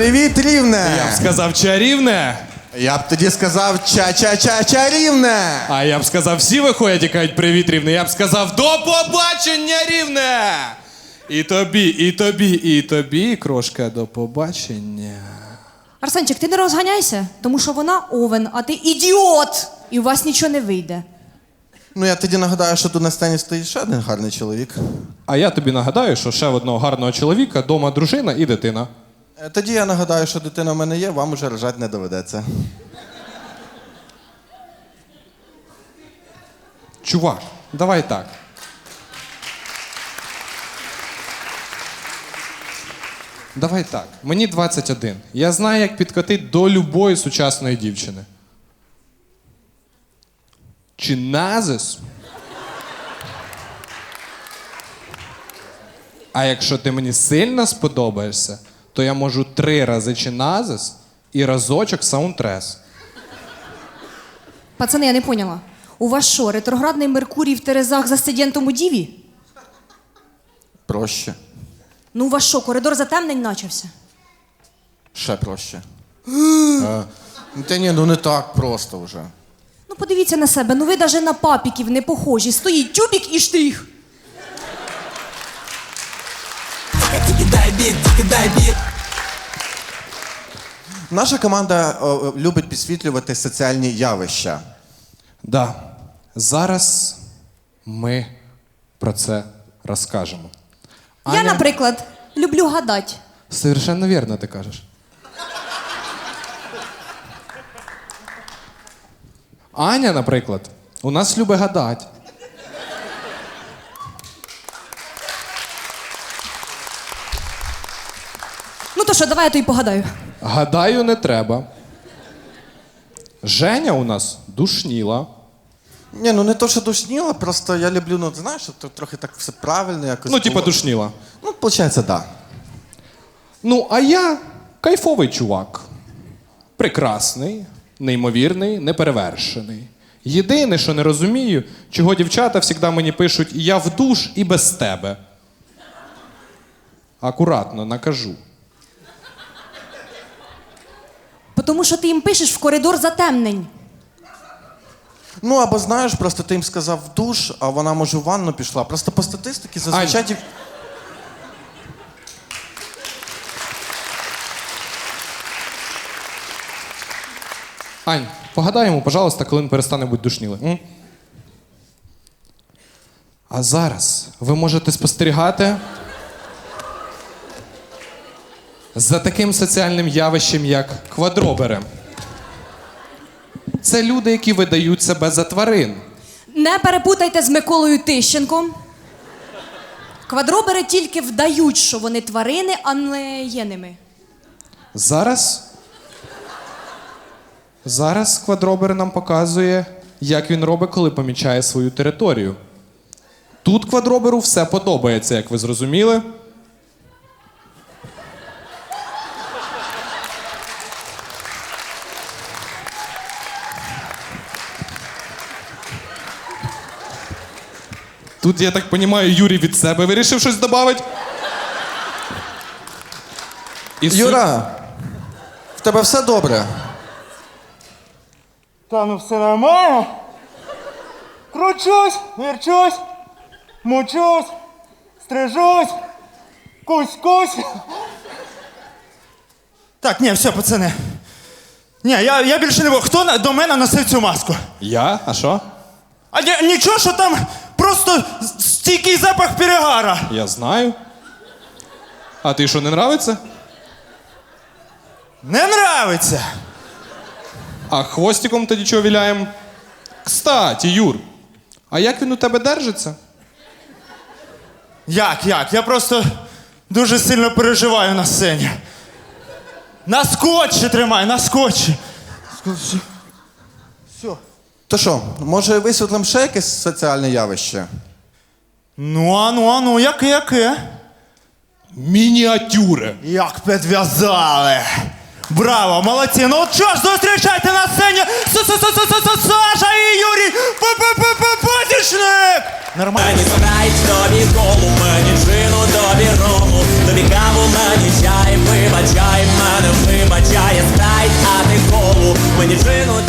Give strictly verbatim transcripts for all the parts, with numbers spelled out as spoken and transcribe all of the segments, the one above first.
Привіт, Рівне! Я б сказав чарівне. Я б тоді сказав ча-ча-ча-чарівне! А я б сказав, всі виходять і кажуть привіт, Рівне. Я б сказав, до побачення, Рівне! І тобі, і тобі, і тобі, крошка, до побачення. Арсенчик, ти не розганяйся, тому що вона овен, а ти ідіот! І у вас нічого не вийде. Ну, я тоді нагадаю, що тут на сцені стоїть ще один гарний чоловік. А я тобі нагадаю, що ще в одного гарного чоловіка дома дружина і дитина. Е, Тоді я нагадаю, що дитина в мене є, вам уже рожати не доведеться. Чувак, давай так. Давай так. Мені двадцять один. Я знаю, як підкотити до любої сучасної дівчини. Чи назис? А якщо ти мені сильно сподобаєшся, то я можу три рази чиназис і разочок саундтрес. Пацани, я не поняла. У вас що, ретроградний Меркурій в Терезах за студентом у Діві? Проще. Ну у вас що, коридор затемнень начався? Ще проще. Е, Та ні, ну не так просто вже. Ну подивіться на себе, ну ви навіть на папіків не похожі. Стоїть тюбік і штрих. Наша команда о, любить підсвітлювати соціальні явища. Да. Зараз ми про це розкажемо. Я, наприклад, люблю гадати. Совершенно вірно ти кажеш. Аня, наприклад, у нас любить гадати. Ну то що, давай я то й погадаю. Гадаю, не треба. Женя у нас душніла. Ні, ну не то, що душніла, просто я люблю, ну знаєш, щоб то трохи так все правильно якось. Ну, типа було. душніла. Ну, виходить, так. Да. Ну, а я кайфовий чувак. Прекрасний, неймовірний, неперевершений. Єдине, що не розумію, чого дівчата завжди мені пишуть «я в душ і без тебе». Акуратно, накажу. Тому що ти їм пишеш в коридор затемнень. Ну, або знаєш, просто ти їм сказав в душ, а вона, може, в ванну пішла. Просто по статистиці зазвичай... Ань. дів- Ань, погадай йому, пожалуйста, коли він перестане бути душнілим. М? А зараз ви можете спостерігати за таким соціальним явищем, як квадробери. Це люди, які видають себе за тварин. Не перепутайте з Миколою Тищенком. Квадробери тільки вдають, що вони тварини, а не є ними. Зараз... Зараз квадробер нам показує, як він робить, коли помічає свою територію. Тут квадроберу все подобається, як ви зрозуміли. Тут, я так розумію, Юрій від себе вирішив щось додати. І суть- Юра, в тебе все добре? Та ну все нормально. Кручусь, вірчусь, мучусь, стрижусь, кусь-кусь. Так, ні, все, пацани. Ні, я, я більше не буду. Хто на- до мене носив цю маску? Я? А що? А ні- нічого, що там просто стійкий запах перегара. Я знаю. А ти що, не нравиться? Не нравиться. А хвостиком тоді чого віляємо? Кстати, Юр, а як він у тебе держиться? Як, як? Я просто дуже сильно переживаю на сцені. На скотчі тримай, на скотчі. Скотчі. Все. То що, може висвітлимо ще якесь соціальне явище? Ну, а ну, а ну, яке, яке? Мініатюри. Як підв'язали. Браво, молодці. Ну от що ж, зустрічайте на сцені Саша і Юрій Патічник. Нормально. Мені збирають тобі колу, мені джину, тобі рому, тобі каву, мені чай, вибачай мене.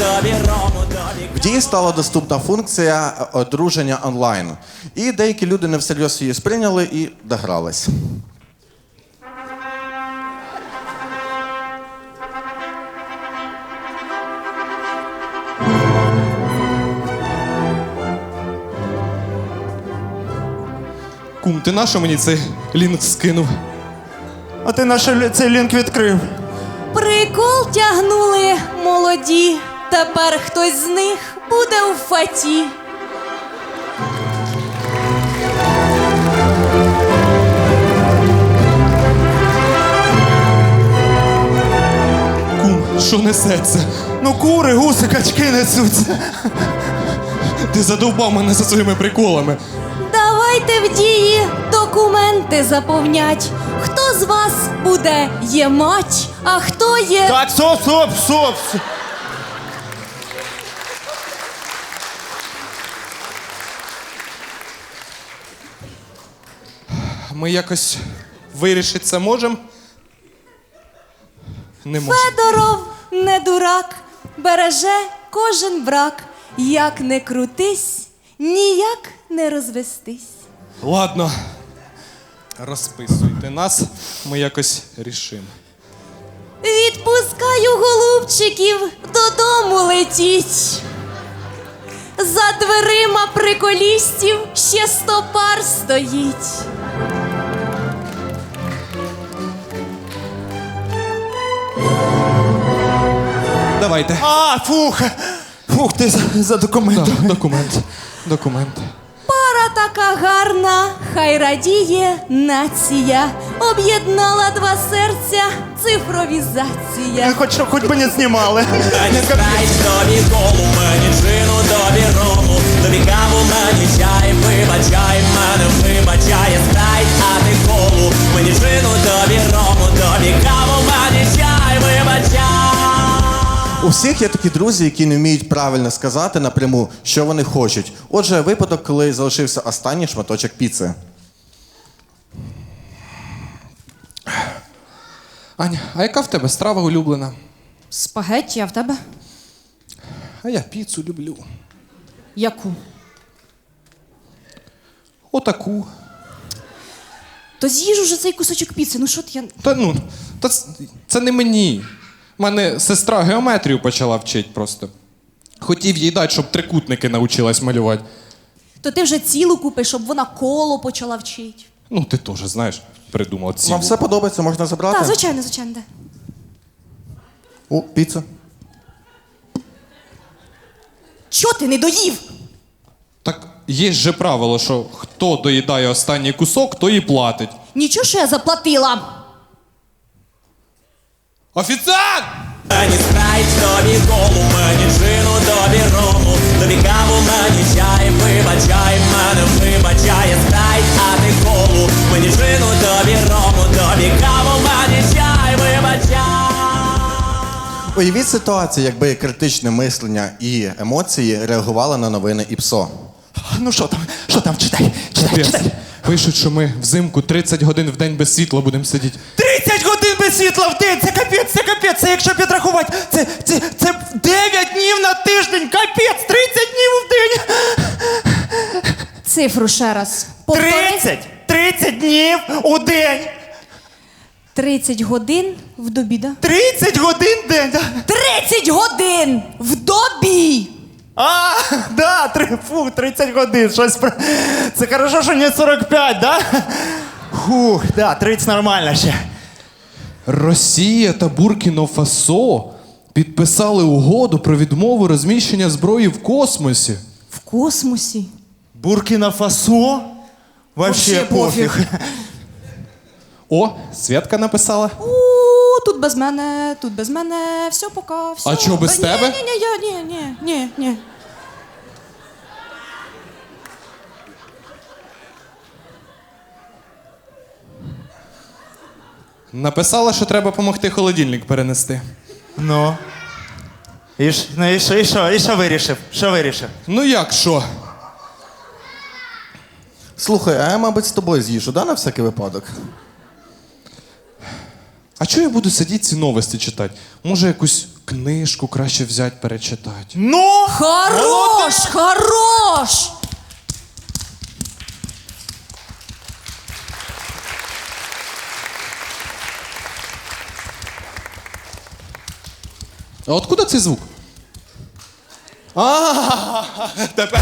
тобі рому, тобі. В дії стала доступна функція одруження онлайн. І деякі люди не всерйоз її сприйняли і догрались. Кум, ти нащо мені цей лінк скинув? А ти наш лі- цей лінк відкрив. Прикол тягнули молоді. Тепер хтось з них буде у фаті. Кум, що несеться? Ну кури, гуси, качки несуться. Ти задовбав мене за своїми приколами. Давайте в дії документи заповнять. Хто з вас буде є мать, а хто є... Так, стоп, стоп, стоп. стоп. Ми якось вирішити це можемо? Не можемо. Федоров не дурак, береже кожен брак. Як не крутись, ніяк не розвестись. Ладно. Розписуйте нас, ми якось рішимо. Відпускаю голубчиків, додому летіть. За дверима приколістів ще сто пар стоїть. Давайте. А, фух. Фух, ти за, за документом. Так, документ. Документ. Пара така гарна, хай радіє нація. Об'єднала два серця, цифровізація. Хоч, хоч би не знімали. Мені страйк, тобі колу, мені джину, тобі рому, тобі каву, мені чай, вибачай, мене вибачає страйк, а ти колу, мені джину, тобі рому, тобі каву, мені чай, вибачай. У всіх є такі друзі, які не вміють правильно сказати напряму, що вони хочуть. Отже, випадок, коли залишився останній шматочок піци. Аня, а яка в тебе страва улюблена? Спагетті, а в тебе? А я піцу люблю. Яку? Отаку. То з'їж уже цей кусочок піци, ну що ти я... Та ну, та ц- це не мені. У мене сестра геометрію почала вчити просто. Хотів їй дати, щоб трикутники навчилась малювати. То ти вже цілу купиш, щоб вона коло почала вчити. Ну, ти теж, знаєш, придумав цілу. Вам все подобається, можна забрати? Так, звичайно, звичайно, де. О, піца. Чо ти не доїв? Так є же правило, що хто доїдає останній кусок, той і платить. Нічого, що я заплатила. Офіціант! Мені страйк, тобі колу, мені джину, тобі рому, тобі каву, мені чай, вибачай, мене вибачає страйк, а ти колу, мені джину, тобі рому, тобі каву, мені чай, вибачай. Уявіть ситуацію, якби критичне мислення і емоції реагували на новини і ПСО. Ну що там? Що там? Читай, читай, Капець. читай. Пишуть, що ми взимку тридцять годин в день без світла будемо сидіти. тридцять годин без світла в день! Це капець, це капець! Це якщо підрахувати, це, це, це дев'ять днів на тиждень! Капець! тридцять днів в день! Цифру ще раз. Повтори. тридцять! тридцять днів у день! тридцять годин в добі, да? тридцять годин в день! Да? тридцять годин в добі! А, да, три, фу, тридцять годин, щось. про- Це хорошо, що не сорок п'ять, да? Фух, да, тридцять нормально ще. Росія та Буркіно-Фасо підписали угоду про відмову розміщення зброї в космосі. В космосі. Буркіна-Фасо? Вообще Вообще пофіг. пофіг. О, Святка написала. У, тут без мене, тут без мене, все пока, все. А чого без Ні, тебе? Ні, ні, я, ні, ні, ні, ні. Написала, що треба допомогти холодильник перенести. Ну. І ж, ну і що, і що, і що вирішив? Що вирішив? Ну як що? Слухай, а я, мабуть, з тобою з'їжджу, да, на всякий випадок? А чого я буду сидіти ці новості читати? Може, якусь книжку краще взяти, перечитати? Ну! Хорош, хорош! А откуда цей звук? А, тепер.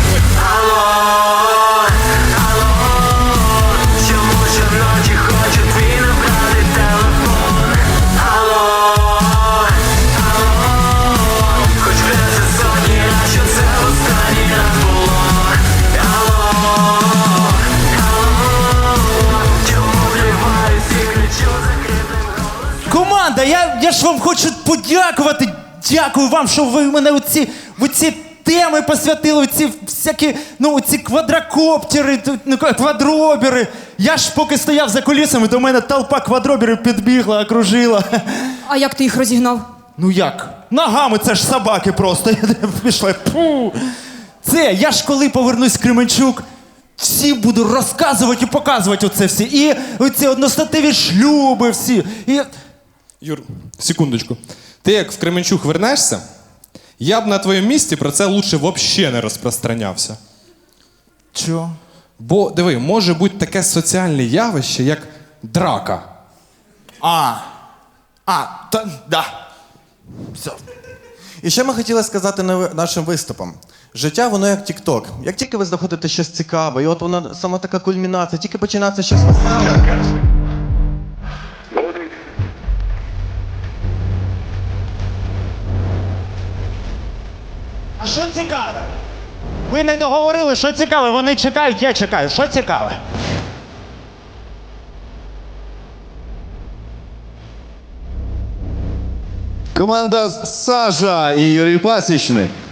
Чому щоночі хочу твій набрати телефон? Алло, алло, хоч вже сотні раз, що це останній раз було. Алло, алло, чому вриваюсь і кричу закритим голосом? Команда, я, я ж вам хочу подякувати. Дякую вам, що ви мене у ці, в ці теми посвятили, у ці всякі, ну, у ці квадрокоптери, ту- ну, квадробери. Я ж поки стояв за кулісами, до мене толпа квадроберів підбігла, окружила. А як ти їх розігнав? Ну як? Ногами, це ж собаки просто. Пішли. Фу. Це, я ж коли повернусь в Кременчук, всі буду розказувати і показувати оце всі. І оці одностатеві шлюби всі. І... Юр, секундочку. Ти як в Кременчук вернешся, я б на твоєму місці про це лучше взагалі не розпространявся. Чо? Бо, диви, може бути таке соціальне явище, як драка. А. А, та, да. Все. І ще ми хотіли сказати на- нашим виступам. Життя, воно як тік-ток. Як тільки ви знаходите щось цікаве, і от вона сама така кульмінація, тільки починається щось веселе. А що цікаве? Ви не договорили, що цікаве, вони чекають, я чекаю. Що цікаве? Команда Сажа і Юрій Пасічник